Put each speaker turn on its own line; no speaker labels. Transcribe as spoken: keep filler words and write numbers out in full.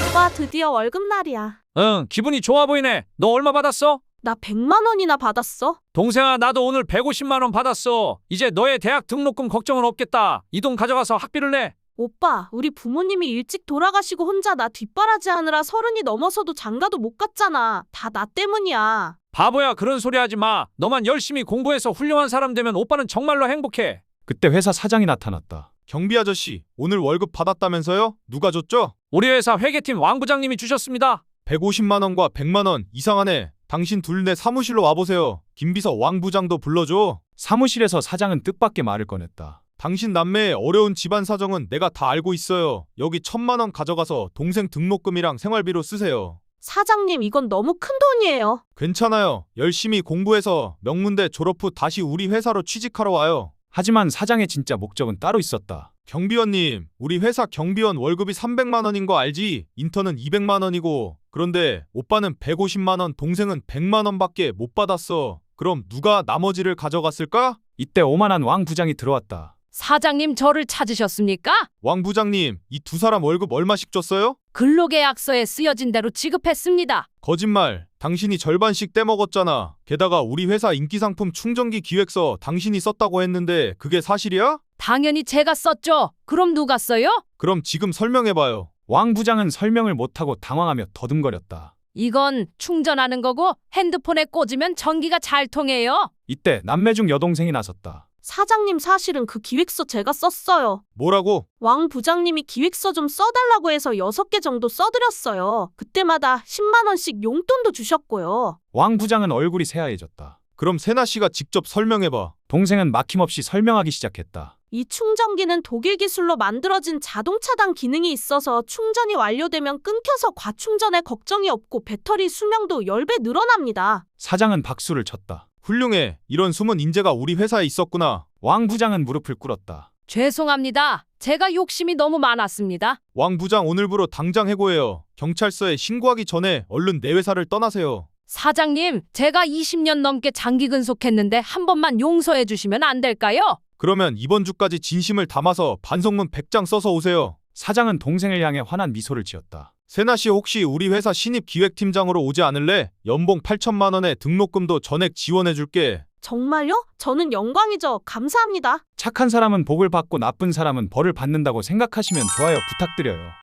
오빠 드디어 월급날이야.
응, 기분이 좋아 보이네. 너 얼마 받았어?
나 백만 원이나 받았어.
동생아, 나도 오늘 백오십만 원 받았어. 이제 너의 대학 등록금 걱정은 없겠다. 이 돈 가져가서 학비를 내.
오빠, 우리 부모님이 일찍 돌아가시고 혼자 나 뒷바라지 하느라 서른이 넘어서도 장가도 못 갔잖아. 다 나 때문이야.
바보야, 그런 소리 하지 마. 너만 열심히 공부해서 훌륭한 사람 되면 오빠는 정말로 행복해.
그때 회사 사장이 나타났다.
경비 아저씨, 오늘 월급 받았다면서요? 누가 줬죠?
우리 회사 회계팀 왕 부장님이 주셨습니다.
백오십만 원과 백만 원 이상하네. 당신 둘 내 사무실로 와보세요. 김비서 왕 부장도 불러줘.
사무실에서 사장은 뜻밖의 말을 꺼냈다.
당신 남매의 어려운 집안 사정은 내가 다 알고 있어요. 여기 천만 원 가져가서 동생 등록금이랑 생활비로 쓰세요.
사장님, 이건 너무 큰 돈이에요.
괜찮아요. 열심히 공부해서 명문대 졸업 후 다시 우리 회사로 취직하러 와요.
하지만 사장의 진짜 목적은 따로 있었다.
경비원님, 우리 회사 경비원 월급이 삼백만 원인 거 알지? 인턴은 이백만 원이고. 그런데 오빠는 백오십만 원, 동생은 백만 원밖에 못 받았어. 그럼 누가 나머지를 가져갔을까?
이때 오만한 왕 부장이 들어왔다.
사장님, 저를 찾으셨습니까?
왕 부장님, 이 두 사람 월급 얼마씩 줬어요?
근로계약서에 쓰여진 대로 지급했습니다.
거짓말. 당신이 절반씩 떼먹었잖아. 게다가 우리 회사 인기상품 충전기 기획서 당신이 썼다고 했는데 그게 사실이야?
당연히 제가 썼죠. 그럼 누가 써요?
그럼 지금 설명해봐요.
왕 부장은 설명을 못하고 당황하며 더듬거렸다.
이건 충전하는 거고 핸드폰에 꽂으면 전기가 잘 통해요.
이때 남매 중 여동생이 나섰다.
사장님, 사실은 그 기획서 제가 썼어요.
뭐라고?
왕 부장님이 기획서 좀 써달라고 해서 여섯 개 정도 써드렸어요. 그때마다 십만 원씩 용돈도 주셨고요.
왕 부장은 얼굴이 새하얘졌다.
그럼 세나 씨가 직접 설명해봐.
동생은 막힘없이 설명하기 시작했다.
이 충전기는 독일 기술로 만들어진 자동 차단 기능이 있어서 충전이 완료되면 끊겨서 과충전에 걱정이 없고 배터리 수명도 십 배 늘어납니다.
사장은 박수를 쳤다.
훌륭해. 이런 숨은 인재가 우리 회사에 있었구나.
왕 부장은 무릎을 꿇었다.
죄송합니다. 제가 욕심이 너무 많았습니다.
왕 부장, 오늘부로 당장 해고해요. 경찰서에 신고하기 전에 얼른 내 회사를 떠나세요.
사장님, 제가 이십 년 넘게 장기 근속했는데 한 번만 용서해 주시면 안 될까요?
그러면 이번 주까지 진심을 담아서 반성문 백 장 써서 오세요.
사장은 동생을 향해 환한 미소를 지었다.
세나 씨, 혹시 우리 회사 신입 기획팀장으로 오지 않을래? 연봉 팔천만 원에 등록금도 전액 지원해줄게.
정말요? 저는 영광이죠. 감사합니다.
착한 사람은 복을 받고 나쁜 사람은 벌을 받는다고 생각하시면 좋아요 부탁드려요.